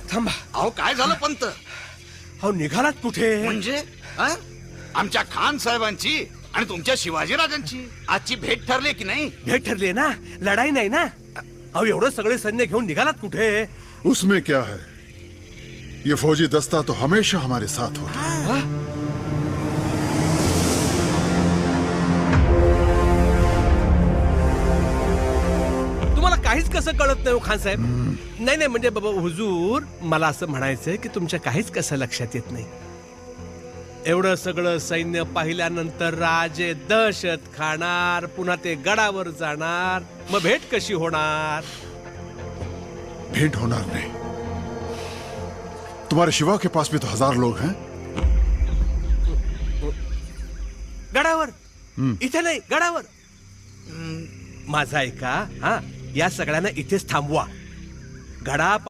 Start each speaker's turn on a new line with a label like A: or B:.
A: थांबा.
B: अहो काय झालं पंत?
A: अहो निघालात कुठे?
B: म्हणजे हा? आमच्या खान साहेबांची आणि तुमच्या शिवाजीराजांची आजची भेट ठरली की नाही?
A: भेट ठरली ना, लढाई नाही ना. अहो एवढं सगळे सैन्य घेऊन निघालात कुठे?
C: उसमें क्या है, ये फौजी दस्ता तो हमेशा हमारे साथ होता है.
A: तुम्हाला काहीच कसं कळत नाही हो खान साहेब? नाही नाही म्हणजे बाबा हुजूर, मला असं म्हणायचंय की तुमच्या काहीच कसं लक्षात येत नाही. एवढं सगळं सैन्य पाहिल्यानंतर राजे दहशत खाणार, पुन्हा ते गडावर जाणार, मग भेट कशी होणार?
C: भेंट होणार नहीं. तुम्हारे शिवा के पास भी तो 1000 लोग हैं.
A: गडावर? इथे नाही, गडावर. माझा ऐका, हा, या सगळ्यांना इथेच थांबवा. गडा